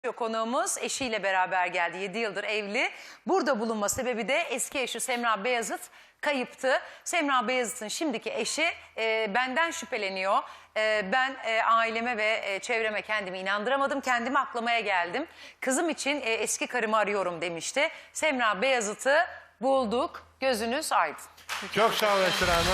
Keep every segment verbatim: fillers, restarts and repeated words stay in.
Konuğumuz eşiyle beraber geldi. yedi yıldır evli. Burada bulunma sebebi de eski eşi Semra Beyazıt kayıptı. Semra Beyazıt'ın şimdiki eşi e, benden şüpheleniyor. E, ben e, aileme ve e, çevreme kendimi inandıramadım. Kendimi aklamaya geldim. Kızım için e, eski karımı arıyorum demişti. Semra Beyazıt'ı bulduk. Gözünüz aydın. Çok sağ ol Esra Hanım.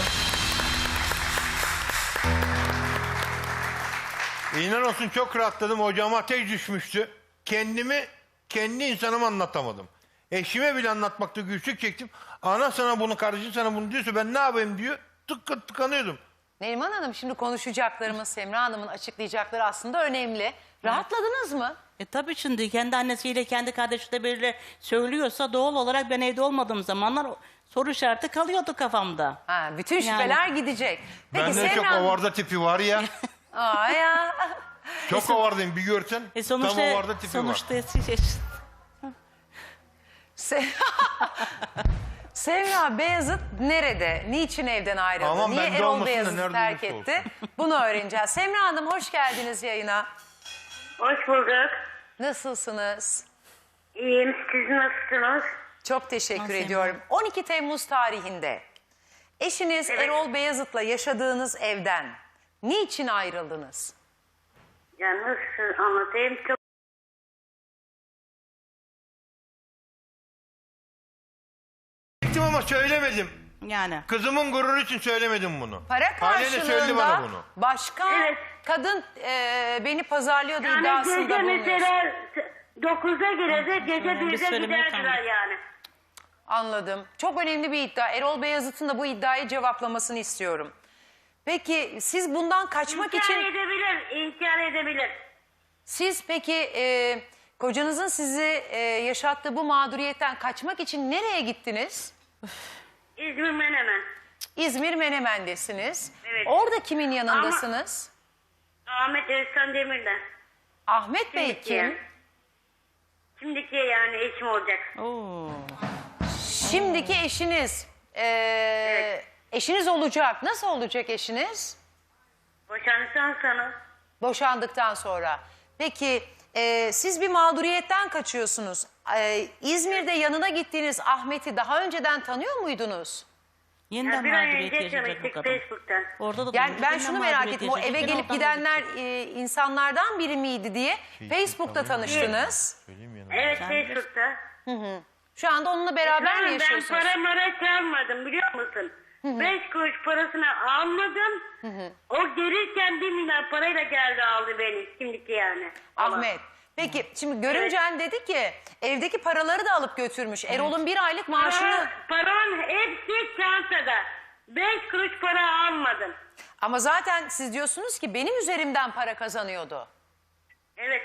İnan olsun çok rahatladım. Hocama ateş düşmüştü. Kendimi kendi insanıma anlatamadım. Eşime bile anlatmakta güçlük çektim. Ana sana bunu, kardeşin sana bunu diyorsa ben ne yapayım diyor. Tık tıkanıyordum. Neriman Hanım, şimdi konuşacaklarımız, Semra Hanım'ın açıklayacakları aslında önemli. Rahatladınız mı? E tabii şimdi kendi annesiyle kendi kardeşiyle biriyle söylüyorsa doğal olarak ben evde olmadığım zamanlar soru işareti kalıyordu kafamda. Ha, bütün şüpheler Yani. gidecek. Peki Bende çok Semra Hanım... ovarda tipi var ya. Aa ya. Çok ovardayım bir görsen. E Tam sonuçta, ovarda tipi sonuçta var. eski eş. Se Semra Beyazıt nerede? Niçin evden ayrıldı? Aman Niye bende Erol olmasın da Beyazıt'ı nerede terk olursa etti? Bunu öğreneceğiz. Semra Hanım, hoş geldiniz yayına. Hoş bulduk. Nasılsınız? İyiyim. Siz nasılsınız? Çok teşekkür Nasıl ediyorum. on iki Temmuz tarihinde eşiniz Evet. Erol Beyazıt'la yaşadığınız evden niçin ayrıldınız? Ya nasıl anlatayım? Çok Çektim ama söylemedim. Yani. Kızımın gururu için söylemedim bunu. Para Ailene söyledi bana karşılığında bunu. başka Evet. kadın e, beni pazarlıyordu yani iddiasında gece bulunuyorsun. mesela dokuzda girecek, gece Öyle bir birde söyleme giderdiler kaldı. yani. Anladım. Çok önemli bir iddia. Erol Beyazıt'ın da bu iddiayı cevaplamasını istiyorum. Peki siz bundan kaçmak İnkar için... edebilir, inkar edebilir. Siz peki e, kocanızın sizi e, yaşattığı bu mağduriyetten kaçmak için nereye gittiniz? İzmir Menemen. İzmir Menemen'desiniz. Evet. Orada kimin yanındasınız? Ahmet Özkan Demir'den. Ahmet Bey Şimdiki kim? yani. Şimdiki yani eşim olacak. Oo. Şimdiki eşiniz. E, Evet. Eşiniz olacak. Nasıl olacak eşiniz? Boşandıktan sonra. Boşandıktan sonra. Peki e, siz bir mağduriyetten kaçıyorsunuz. E, İzmir'de yanına gittiğiniz Ahmet'i daha önceden tanıyor muydunuz? Yeniden Ya bir ay mağduriyet önce yaşayacak bu tanıştık kadın. Facebook'tan. Orada da Yani duyduk, ben yeniden şunu merak mağduriyet ettim. O eve yaşayacak, gelip oradan gidenler gidecek. e, insanlardan biri miydi diye Facebook'ta tanıştınız. Söyleyeyim yanına. Evet Sen Facebook'ta. Şu anda onunla beraber mi Tamam, yaşıyorsunuz? ben para mara çalmadım biliyor musun? Beş kuruş parasını almadım. O gelirken bir milyar parayla geldi aldı beni şimdiki yani. Ahmet. Peki şimdi görümcen dedi ki evdeki paraları da alıp götürmüş. Erol'un bir aylık maaşını... Para, paranın hepsi çantada. Beş kuruş para almadım. Ama zaten siz diyorsunuz ki benim üzerimden para kazanıyordu. Evet.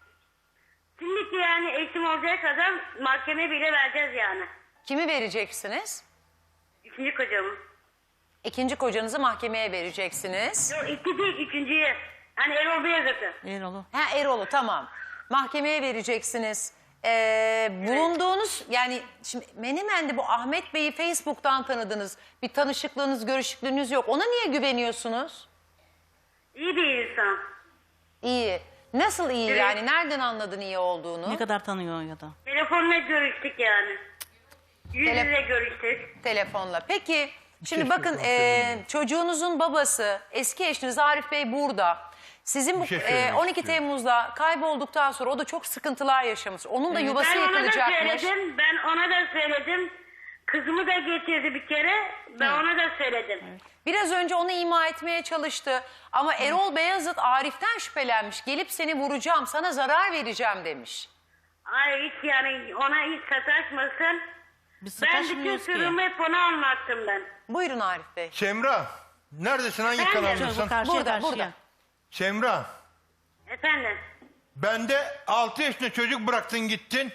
Şimdiki yani eşim olacak kadar mahkeme bile vereceğiz yani. Kimi vereceksiniz? Üçüncü kocamı. İkinci kocanızı mahkemeye vereceksiniz. Yok iki değil üçüncüye. Hani Erol Beyazıt'ı. Erol'u. Ha Erol'u tamam. Mahkemeye vereceksiniz. Ee, bulunduğunuz yani şimdi Menemen'de bu Ahmet Bey'i Facebook'tan tanıdınız. Bir tanışıklığınız, görüşüklüğünüz yok. Ona niye güveniyorsunuz? İyi bir insan. İyi. Nasıl iyi Evet. yani? Nereden anladın iyi olduğunu? Ne kadar tanıyor ya da. Telefonla görüştük yani. Yüz Tele- yüze görüştük. Telefonla. Peki şimdi şey bakın sormak e, istedim. çocuğunuzun babası eski eşiniz Arif Bey burada. Sizin bu Bir şey e, söylemek on iki istiyorum. Temmuz'da kaybolduktan sonra o da çok sıkıntılar yaşamış. Onun da yuvası Ben ona da yıkılacakmış. söyledim. Ben ona da söyledim. Kızımı da getirdi bir kere. Ben ona da söyledim. Biraz önce onu ima etmeye çalıştı. Ama Erol Beyazıt Arif'ten şüphelenmiş. Gelip seni vuracağım, sana zarar vereceğim demiş. Ay hiç yani ona hiç sataşmasın. Biz Ben bütün sataşmıyoruz ki. sırrımı hep ona anlattım ben. Buyurun Arif Bey. Semra, neredesin? Hangi Ben de- kanaldasın? Bu karşıya Burada, karşıya. burada. Semra, Efendim. bende altı yaşında çocuk bıraktın gittin.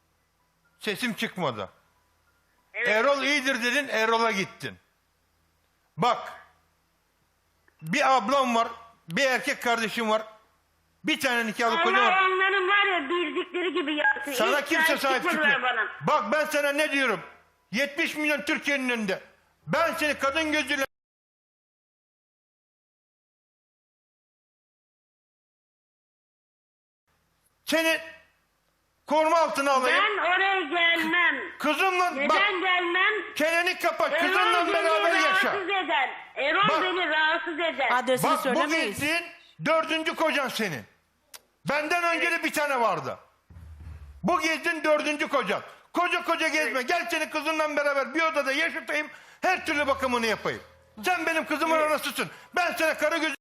Sesim çıkmadı. Evet. Erol iyidir dedin, Erol'a gittin. Bak, bir ablam var, bir erkek kardeşim var. Bir tane nikahlı kocam Allah var. onların var ya bildikleri gibi yapsın. Sana Hiç kimse sahip çıkmadılar çıkmıyor. bana. Bak ben sana ne diyorum. yetmiş milyon Türkiye'nin önünde. Ben seni kadın gözüyle... Seni Koruma altına alayım. Ben oraya gelmem. Kızımla Neden bak gelmem? çeneni kapat. Erol Kızınla beni beraber yaşa. rahatsız eder. Erol Bak. beni rahatsız eder. Adresini Bak bu söylemeyiz. gezdiğin dördüncü kocan senin. Benden önce de bir tane vardı. Bu gezdiğin dördüncü kocan. Koca koca gezme. Gel seni kızınla beraber bir odada yaşatayım. Her türlü bakımını yapayım. Sen benim kızımın anasısın. Ben sana karı gözü...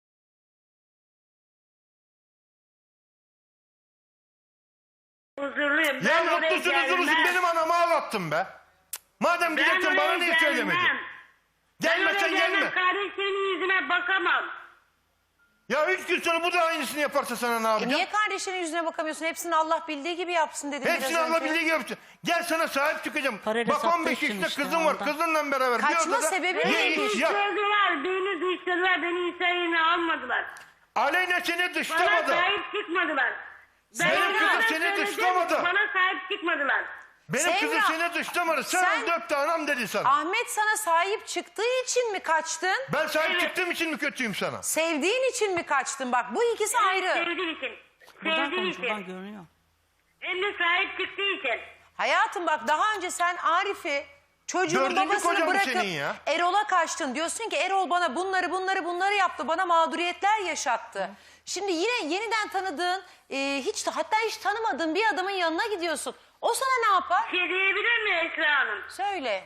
Huzurluyum. Ya Ben oraya mutlusun gelmem. huzurlusun benim anamı ağlattın be. Madem Ben gideceksin bana oraya niye gelmem. söylemedin? Ben Gelmesen oraya gelmem. gelme. Kardeşimin yüzüne bakamam. Ya üç gün sonra bu da aynısını yaparsa sana ne E yapacağım? niye kardeşinin yüzüne bakamıyorsun? Hepsini Allah bildiği gibi yapsın dedim Hepsini biraz Allah önce. bildiği gibi yapsın. Gel sana sahip çıkacağım. Parayla Bak sattığı on beş için yaşında işte kızım var. ondan. Kızınla beraber Kaçma bir odada sebebi ye neymiş? iç yap. Dışladılar, beni dışladılar, beni İsa'yı almadılar. Aleyna seni Bana dışlamadı. sahip çıkmadılar. Ben Benim onlara kızım seni söyledim, dışlamadı. Bana sahip çıkmadılar. Benim Semra, kızım seni dışlamadı. Sen, sen- öldü öptü anam dedi sana. Ahmet sana sahip çıktığı için mi kaçtın? Ben sahip Evet. çıktığım için mi kötüyüm sana? Sevdiğin için mi kaçtın? Bak bu ikisi ayrı. Sevdiği için. Buradan Sevdiği konuşmadan için. görünüyor. Hem de sahip çıktığı için. Hayatım bak daha önce sen Arif'i çocuğun Dördüncü babasını kocan bu bırakıp senin ya. Erol'a kaçtın. Diyorsun ki Erol bana bunları bunları bunları yaptı. Bana mağduriyetler yaşattı. Şimdi yine yeniden tanıdığın e, hiç hatta hiç tanımadığın bir adamın yanına gidiyorsun. O sana ne yapar? Bir şey diyebilir mi Esra Hanım? Söyle.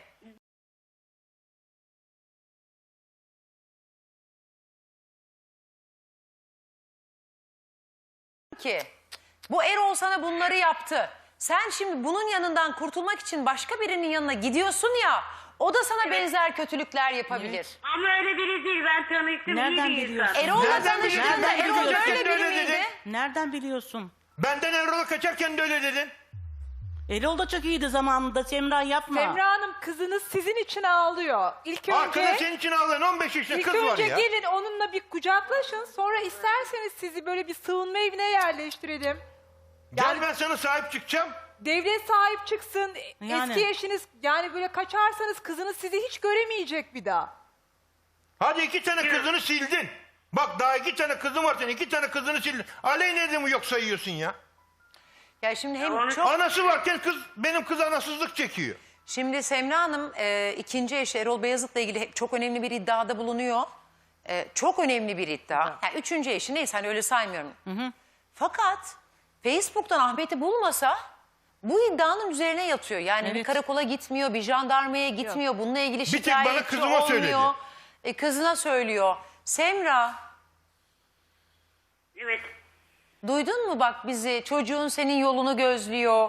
Ki bu Erol sana bunları yaptı. Sen şimdi bunun yanından kurtulmak için başka birinin yanına gidiyorsun ya. O da sana benzer kötülükler yapabilir. Ama öyle biri değil. Ben tanıştım. Nereden iyi bir biliyorsun? insan. Erol'la Nereden tanıştığında biliyorsun? Erol Nereden böyle biri biliyorsun? miydi? Nereden biliyorsun? Benden Erol'a kaçarken de öyle dedin. Erol da çok iyiydi zamanında. Semra yapma. Semra Hanım kızınız sizin için ağlıyor. İlk Arkada önce, senin için ağlayan on beş yaşında ilk kız var önce ya. gelin onunla bir kucaklaşın. Sonra isterseniz sizi böyle bir sığınma evine yerleştirelim. Gel ben sana sahip çıkacağım. Devlet sahip çıksın. Yani. Eski eşiniz yani böyle kaçarsanız kızınız sizi hiç göremeyecek bir daha. Hadi iki tane kızını sildin. Bak daha iki tane kızın var senin. İki tane kızını sildin. Aleyna mi yok sayıyorsun ya? Ya şimdi hem onu- çok Anası varken kız benim kız anasızlık çekiyor. şimdi Semra Hanım e, ikinci eşi Erol Beyazıt'la ilgili hep çok önemli bir iddiada bulunuyor. E, çok önemli bir iddia. Yani üçüncü eşi neyse hani öyle saymıyorum. Fakat Facebook'tan Ahmet'i bulmasa bu iddianın üzerine yatıyor. Yani bir Evet. karakola gitmiyor, bir jandarmaya gitmiyor. Bununla ilgili tek şikayetçi bana kızıma olmuyor. söyledi. E, kızına söylüyor. Semra Evet. duydun mu bak bizi? Çocuğun senin yolunu gözlüyor.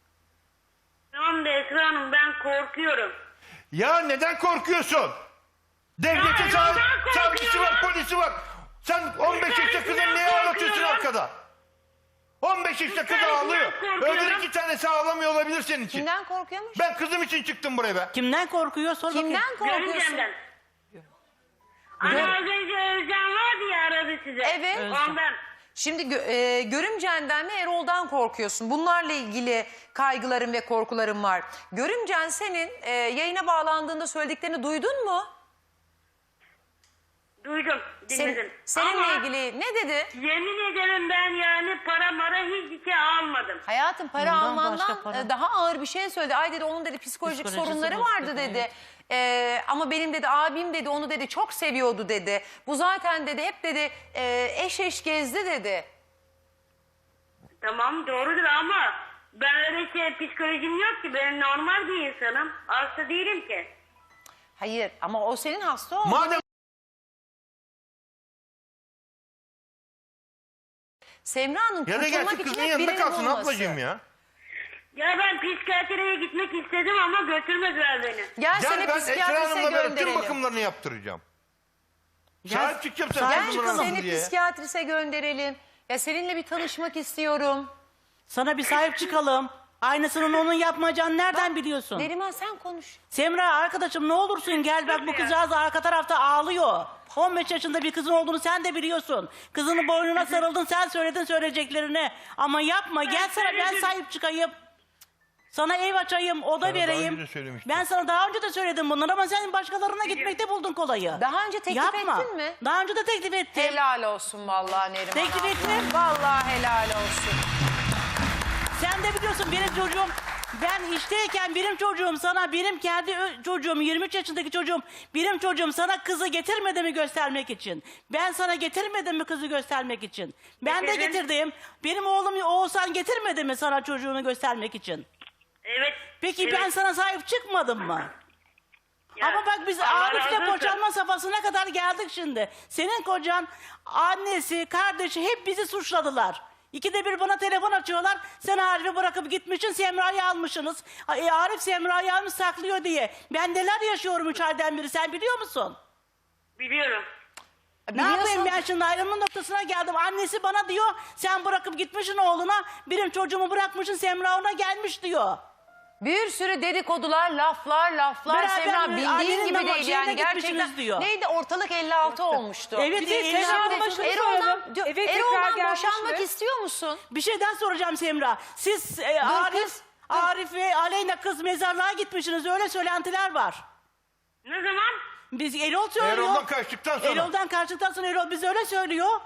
Tamam da Esra Hanım ben korkuyorum. Ya neden korkuyorsun? Devletin Ya, sav neden korkuyorum? savcısı var, polisi var. Sen on beş yaşında kızın neden niye ağlatıyorsun korkuyorum? arkada? on beş yaşında kız neden ağlıyor. korkuyorum? Öbür iki tanesi ağlamıyor olabilir senin için. Kimden korkuyormuş? Ben kızım için çıktım buraya be. Kimden korkuyor? Sor bakayım. Kimden korkuyorsun? Görümcemden. Hani az önce Özcan vardı ya aradı size. Evet. Özcan. Ondan. Şimdi gö- e, görümcenden mi Erol'dan korkuyorsun? Bunlarla ilgili kaygıların ve korkuların var. Görümcen senin e, yayına bağlandığında söylediklerini duydun mu? Duydum, Sen- dinledim. seninle Ama ilgili ne dedi? yemin ederim ben yani para mara hiçbir şey almadım. Hayatım para Bundan almandan başka para. e, daha ağır bir şey söyledi. Ay dedi onun dedi psikolojik Psikolojisi sorunları bozuk vardı dedi, dedi. E, ama benim dedi abim dedi onu dedi çok seviyordu dedi. Bu zaten dedi hep dedi e, eş eş gezdi dedi. Tamam doğrudur ama ben öyle şey psikolojim yok ki. Ben normal bir insanım. Hasta değilim ki. Hayır ama o senin hasta olduğunu Madem Semra'nın ya da kurtulmak gerçi için kızın hep yanında birini kalsın bulması. ablacığım ya. Ya ben psikiyatriye gitmek istedim ama götürmediler beni. Gel, Gel seni ben Esra psikiyatrise Hanım'la beraber tüm gönderelim. bakımlarını yaptıracağım. Gel- Sahip çıkacağım sen Sahip kızımın çıkalım. anası Seni diye. psikiyatrise gönderelim. Ya seninle bir tanışmak istiyorum. Sana bir sahip çıkalım. Aynısının onun yapmayacağını nereden biliyorsun? Neriman sen konuş. Semra arkadaşım ne olursun gel bak bu kızcağız arka tarafta ağlıyor. on beş yaşında bir kızın olduğunu sen de biliyorsun. Kızının boynuna sarıldın sen söyledin söyleyeceklerini. Ama yapma gel sana ben sahip çıkayım. Sana ev açayım, oda Sana daha vereyim. önce de söylemiştim. Ben sana daha önce de söyledim bunları ama sen başkalarına gitmekte buldun kolayı. Daha önce teklif Yapma. ettin mi? Daha önce de teklif ettim. Helal olsun vallahi Neriman Teklif abla. ettim. Vallahi helal olsun. Sen de biliyorsun benim çocuğum, ben işteyken benim çocuğum sana, benim kendi ö- çocuğum, yirmi üç yaşındaki çocuğum, benim çocuğum sana kızı getirmedi mi göstermek için? Ben sana getirmedim mi kızı göstermek için? Ben de Getirdim. getirdim. Benim oğlum Oğuzhan getirmedi mi sana çocuğunu göstermek için? Evet. Peki evet. ben sana sahip çıkmadım mı? Ya, Ama bak biz Allah razı Arif'le olsun. boşanma safhasına kadar geldik şimdi. Senin kocan, annesi, kardeşi hep bizi suçladılar. İkide bir bana telefon açıyorlar. Sen Arif'i bırakıp gitmişsin, Semra'yı almışsınız. E, Arif Semra'yı almış saklıyor diye. Ben neler yaşıyorum üç aydan beri, sen biliyor musun? Biliyorum. Ne yapayım ben şimdi, ayrılma noktasına geldim. Annesi bana diyor, sen bırakıp gitmişsin oğluna. Benim çocuğumu bırakmışsın, Semra ona gelmiş diyor. Bir sürü dedikodular, laflar, laflar. Beraber Semra mi? bildiğin Ailenin gibi damak değil şeyine yani gitmişsiniz gerçekten. diyor. Neydi, ortalık elli altı olmuştu. Evet, Bir de elli Semra altı Hanım'a şunu Erol'dan, soralım. diyor, Eve tekrar Erol'dan gelmiş boşanmak mi? istiyor musun? Bir şey daha soracağım Semra. Siz e, Arif, kız, Arif ve Aleyna kız mezarlığa gitmişsiniz. Öyle söylentiler var. Ne zaman? Biz Erol söylüyor. Erol'dan kaçtıktan sonra. Erol'dan kaçtıktan sonra Erol bize öyle söylüyor.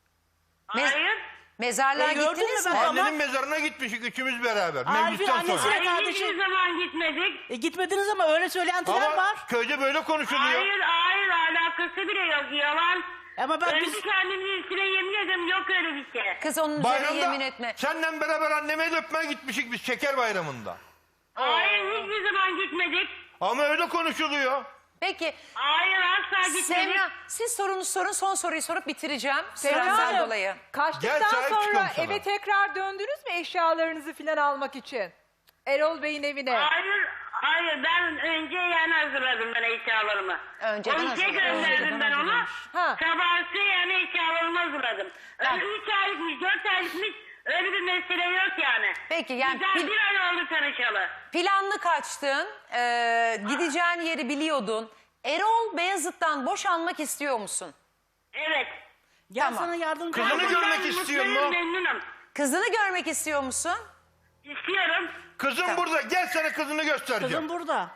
Me- Hayır. Mezarlığa E, gördün gittiniz mü mi? ben- Annenin Ama- mezarına gitmişik üçümüz beraber. Arif'in Mevlüt'ten annesi- sonra. Hayır, kardeşim- hiçbir zaman gitmedik. E, gitmediniz ama öyle söylentiler Ama var. köyde böyle konuşuluyor. Hayır, hayır, alakası bile yok. Yalan. Ama bak Önce biz... kendimin üstüne yemin ederim, yok öyle bir şey. Kız onun üzerine Bayramda yemin etme. seninle beraber anneme el öpmeye gitmişik biz şeker bayramında. Hayır, hiçbir zaman gitmedik. Ama öyle konuşuluyor. Peki Hayır, asla gitmedik. Semra, siz sorunu sorun, son soruyu sorup bitireceğim. Semra Süremden Hanım, dolayı. Gel, kaçtıktan sahip sonra çıkalım sana. eve tekrar döndünüz mü eşyalarınızı falan almak için? Erol Bey'in evine. Hayır, hayır. Ben önce yani hazırladım ben eşyalarımı. Önceden Onu hazırlamış. gönderdim Önceden ben ona. hazırlamış. Ha. Sabahsı yani eşyalarımı hazırladım. Tamam. Öyle üç aylıkmış, dört aylıkmış öyle bir mesele yok yani. Peki, yani Güzel pil- bir ay oldu tanışalı. Planlı kaçtın, e, gideceğin yeri biliyordun. Erol Beyazıt'tan boşanmak istiyor musun? Evet. Gel Tamam. sana yardımcı Kızını olayım. görmek Ben istiyor mutluyum, mu? memnunum. Kızını görmek istiyor musun? İstiyorum. Kızım burada, gel sana kızını göstereceğim. Kızım burada.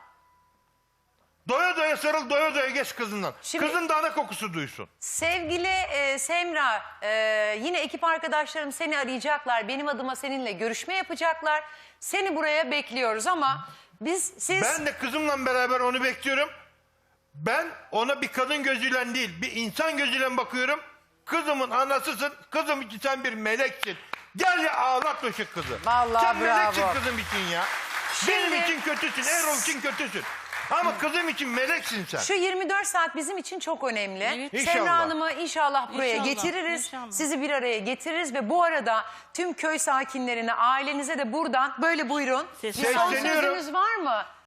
Doya doya sarıl, doya doya geç kızından. Şimdi- Kızın da ana kokusu duysun. Sevgili e, Semra, e, yine ekip arkadaşlarım seni arayacaklar. Benim adıma seninle görüşme yapacaklar. Seni buraya bekliyoruz ama biz siz... Ben de kızımla beraber onu bekliyorum. Ben ona bir kadın gözüyle değil, bir insan gözüyle bakıyorum. Kızımın anasısın, kızım için sen bir meleksin. Gel ya ağlatma şu kızı. Vallahi sen meleksin bravo. kızım için ya. Şimdi- Benim için kötüsün, Erol için kötüsün. Ama kızım için meleksin sen. Şu yirmi dört saat bizim için çok önemli. Evet. Semra İnşallah. Hanım'ı inşallah buraya İnşallah, getiririz. inşallah. Sizi bir araya getiririz ve bu arada tüm köy sakinlerine, ailenize de buradan böyle buyurun. Ses- Bir son Sesleniyorum. sözünüz var mı?